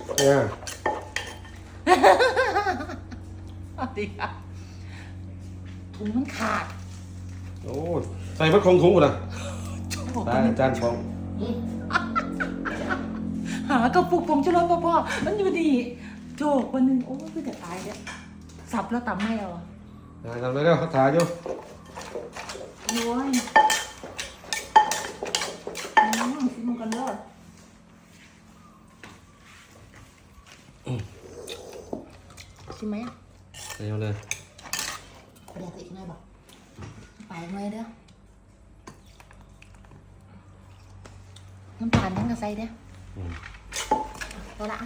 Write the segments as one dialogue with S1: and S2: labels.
S1: เนี่ย
S2: ดีค่ะถุงมันขาด
S1: โอ้ใส่มัดคงถุงกูนะได้จานฟอง
S2: หากระปุกผงชูรสพ่อมันอยู่ดีโจกวันนึงโอ้ยจะตายเนี่ยสับแล้วตำให้เอา
S1: ทำได้แล้วเขาถ่ายอยู่
S2: โอ้ยชิมกันเลยชิมไหมอ่ะ
S1: เอาเลย
S2: เดี๋ยวติดหน่อยบอกไปหน่อยเด้อน้ำตาลทั้งกระไซเด้อเอาละ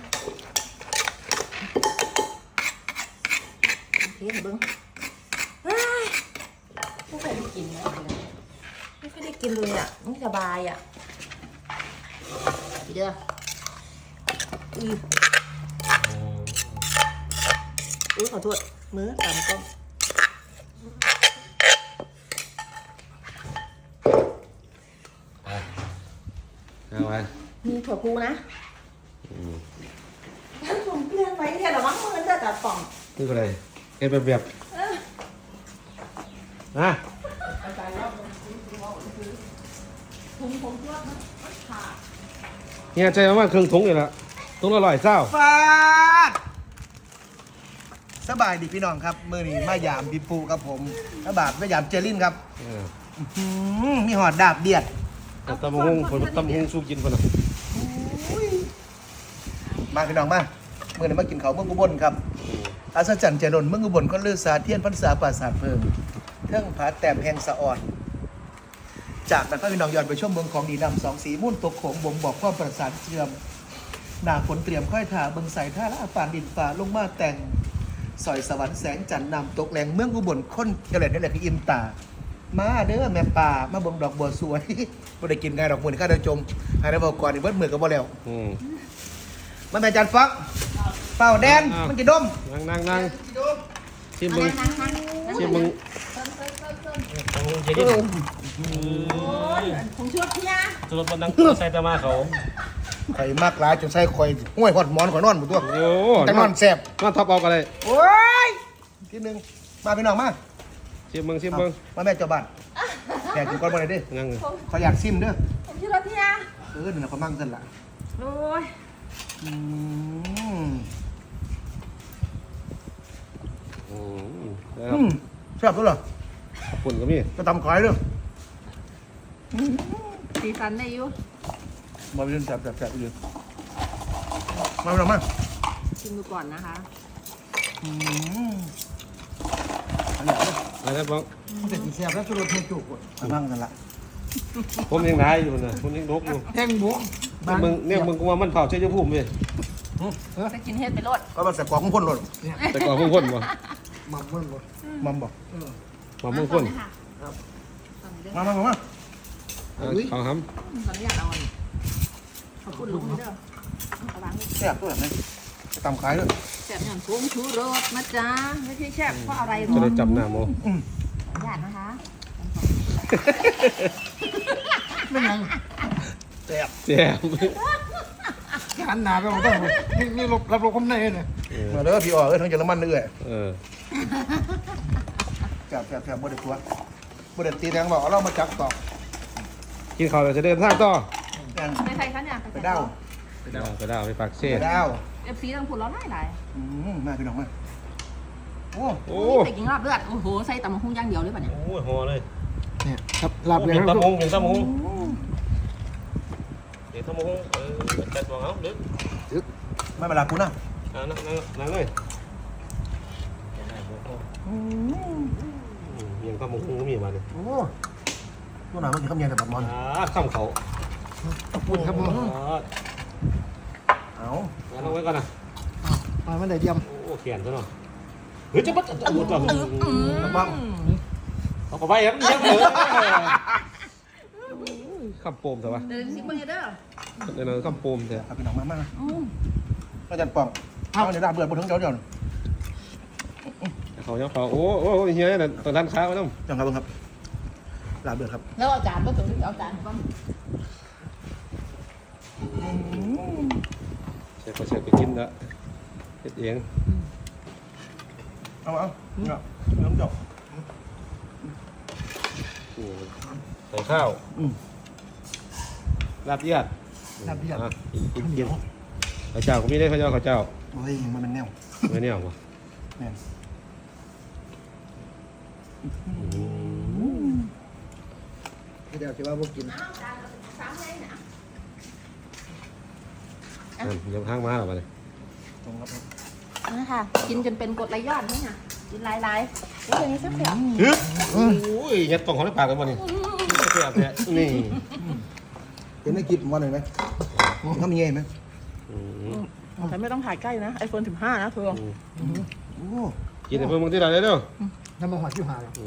S2: โอเคเบิ้งไม่เคยได้กินนะไม่เคยได้กินเลยอ่ะไม่สบายอ่ะเด้อขอโทษมือตามก้ม
S1: เอาไว้
S2: มีถั่วพูนะท่านผมเปลี่ยนไปแค่หรอมั้งมันจะตัดป่อง
S1: นี่ก็เลยเก็บแบบนะเนี่ยใจว่าเครื่องถุงนี่แหละถุงละ100เศร้า
S3: ฟาดสบายดีพี่น้องครับมื้อนี้มายามพี่ปูกับผมกระบาดมายามเจริญครับมีหอดดาบเดียด
S1: ตำมะฮุ่งคนตำมะฮุ่งสู้กินคนละ
S3: มาพี่น้องมาเมื่อนี้มากินข้าวเมืองอุบลครับอาศจรรย์เจริญเมืองอุบลก็เลือสาเทียนพรรษาปราสาทเพิ่มเทิงผาแต้มแห่งสะอ่อนจากนั้นพี่น้องย้อนไปชมเมืองของดีนำ2สีมุ่นตกโขงบ่งบอกความประสานเชื่อมหน้าฝนเตรียมค่อยถ่าเบิ่งใส่ท่าละปานดินฟ้าลงมาแต่งสอยสวรรค์แสงจันทร์นำตกแรงเมืองอุบลค้นเกล็ดนี่แหละพี่อิมตามาเด้อแม่ป่ามาเบิ่งดอกบัวสวยบ่ได้กินไงดอกบัวนี่ข้าเดินจมให้ได้บอกก่อนนี่เบิดมือก็บ่แล้วมาแม่จันฟักเป่าแดนมันจะดม
S1: นั่งชิมมึงชิมมึง
S2: ผมช่วยพี่นะ
S1: จุดบนดังใส่ตามาเขา
S3: ข่อยมากหลายจนใส่ข่อยห้วยหอดหมอนข่อยนอนหมดตัว
S1: โอ้
S3: แต่นอนแซ่บ
S1: นอนท็อปเอากันเลย
S3: โอ้ยทีนึงมาพี่น้องมา
S1: ชิมมึง
S3: มาแม่เจ้าบ้านแขกกินก้อนบ่ได้เด้
S1: นั่ง
S3: ขออยากซิมเด้อ
S2: ผมช่วยพี่นะ
S3: นั่นน่ะเขามั่งซั่นล่ะ
S2: โอ้ย
S3: แซ่บตัวเหรอ
S1: ฝุ่นก็มี
S3: ก็ตำขายเด้อ
S2: สีสันได้อยู่
S3: มาเป็นแซ่บอยู่มาพี่น้องมา
S2: ชิมดูก่อนนะคะ
S1: อะไรบ้าง
S3: แต่กินแซ่บแล้วสุดรสเทจุกมั่งซั่นล่ะ
S1: ผมยังได้อยู่นะผมยังนกอยู่
S3: แห้งหมู
S1: เนี่ยมึงกูว่ามันเผาใช้ยาพุ่มเลย
S2: ไปกินเฮ็ดไปรด
S3: ก็มาใส่กล่องพ่นรถ
S1: แต่ก่อนพุ่งพ่นบ่
S3: มัมพ่นบ่มัมบ่
S1: มาพุ่งพ่น
S3: มา
S1: เขาห้
S2: ำตอนนี้อยากเอาอันขอบคุณลุงเด้อ
S3: แซ่บตัวแบบนี้ตำขายด้วย
S2: แซ่บอย่างกุ้งชูรสนะจ๊ะไม่ใช่แซ่บเพราะอะไรหรอ
S1: จะได้จำหน้าโม
S2: ญาตินะคะ
S3: ไม่ยังแซ่บหันหน้าไปผมต้องนี่รับคำในเนี่ยมาเด้อพี่อ๋อทั้งเยอรมันเลยแซ่บบ่ได้ตัวบ่ได้ตีแดงบอกเรามาจับต่อ
S1: กินข้าวเราจะเดินทางต่อ
S2: ไปใครคะเนี่ย
S3: ไปดาว
S1: ไปปากเซ่
S3: ไปดาว
S2: FC ต้องพูดร้อนหลาย
S3: มาพี่น้องมา
S2: โอ้ไปกินลาบเลือดโอ้โหใส่ตำมะฮุ่งย่างเดียวเลยป่ะเนี่ย
S1: โอ้ยห่อเลย
S3: เนี่ยครับลาบเลือด
S1: ตำมะฮุ่งเดี๋ยวตำมะฮุ่งจัดวางเอาดึก
S3: ไม่เป็นไรกูนะ
S1: นั่งเลยยังตำมะฮุ่งก็มีมาเนี่ย
S3: โอ้ตัวหนามันกินข้าวเย็นแต่บัดมอน
S1: ข้ามเขา
S3: ขอบคุณครับผมเอา
S1: ลงไว้ก่อนนะ
S3: มันได้เยี่ยม
S1: โอ้เขียนซะหน่อยเฮ้ยจะปัดตัว
S3: บ้าง
S1: เอาไปครับเยี่ยมเลยข้ามโปมเถอะวะ
S2: เดินซิมึงเด้อ
S1: เดินข้ามโปมเถอะ
S3: ครับพี่น้องมาอาจารย์ปองเอาเดี๋ยวด่าเบื่อบนทั้งเจ้าเดี๋ยว
S1: เขาเนี่ยเขาโอ้เฮียเนี่ยตอนด้านค้าไว้ต้อง
S3: จังครับครับลาเบื่อครับ
S2: แล้วอาจารย์ก็ถึงเอาจารย์บ้าง
S1: แซ่แต่ก็เสียไปกินละเฮ็ดเอง
S3: เอาเนี่ยน้ำจบ
S1: ใส่ข้าวลาบเลือด
S3: ลาบเลือด
S1: กินข้าวเจ้าก็มีได้ข้าวเจ้าข้าวเจ้า
S3: โอ้ยมันเป็นแนว
S1: ไม่เนี่ยหรอ
S3: แม่นเดี๋ยวคิดว่าพวกกิน
S1: เดี๋ยวข้างมาหรอมาเลย
S3: ตรงครับ
S2: นะคะกินจนเป็นกรดไหลย้อนนี่ค่ะกินหลายๆโอ้ยอย่างนี้แซ่บ
S1: โอ้ยยัดตรงเขาในปากกันบ่นี่เสียบเนี่ยนี่
S3: เห็นได้กินวันหนึ่งไหมเขามีไงไหม
S2: ๆแต่ไม่ต้องถ่ายใกล้นะ iPhone 15 นะเธอ
S3: โอ้
S1: กินในเพื่อนมึงที่ไหนเด้อ
S4: น้ำมันหอยที่หาแล้ว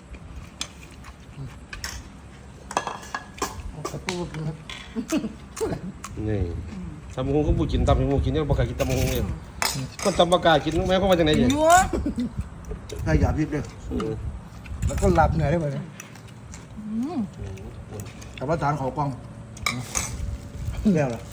S4: ตะปูครับ
S1: นี่ตำมะฮุงก็บุกินตำมะฮุงกินยังบ่กล้ากินตำมะฮุงเลยคนตำบ่กล้ากินแม่เขามาจากไหนดิ
S2: ยั่ว
S3: ถ้าหยาบยิบเลย
S4: แล้วก็หลับเหนื่อยได้ไหม
S3: แต่ว่าจานเขากล้องแล้วล่ะ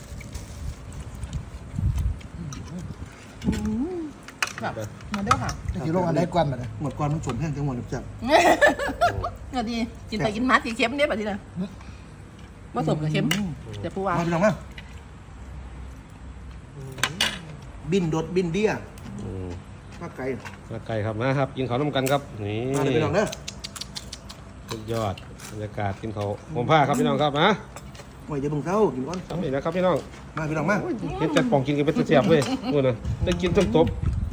S2: แบบมาด้วยค่ะ
S4: ที่โรงอันได้กวนมาเลย
S3: หมดก่อนมันสมแห้งจังหวะนึกจับ
S2: เดี๋ยวดีกินไปกินมาสีเค็มเนี่ยแบบนี้นะว่าสมกับเค็มเดี๋ยวปูวา
S3: มาพี่น้องมาบินดดบินเดี้ยภาคไก่
S1: ไก่ครับนะครับกินข้าวน้ำกันครับนี่
S3: มาเลยพี่น้องเด้อ
S1: สุดยอดบรรยากาศกินข้าวผมผ้าครับพี่น้องครับนะ
S3: โอ้ยเดี๋ยวมึงเช้ากินก่อน
S1: ทำนี่นะครับพี่น้อง
S3: มาพี่น้องมา
S1: เห็นจัดป่องกินกันเป็นเสียบเว้ยนู่นน่ะได้กินทั้งตบ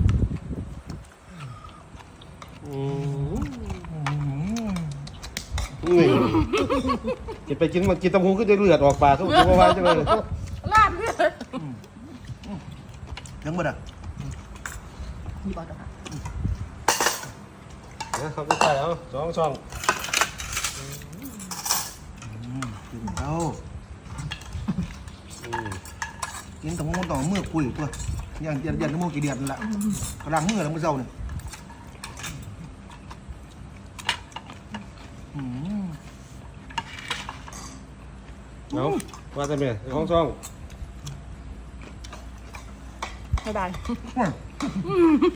S1: นี่กินไปกินมากินตำหูก็จะเลือดออกปากทุกทีว่าจังเลย
S2: ลาบเนี่ย
S3: ถึงหมดอ่ะ
S2: มีบอลค่ะ
S1: นะครับพี่ชายเอา2 ช่อง
S3: กินเช้ากินตรงมันต่อมือคุยตัวยันน้ำมูกกี่เดือนละกระลังมือแล้วมือเช้าเนี่ย
S1: เอาว่าแต่เมีย2 ช่อง
S2: บ๊ายบาย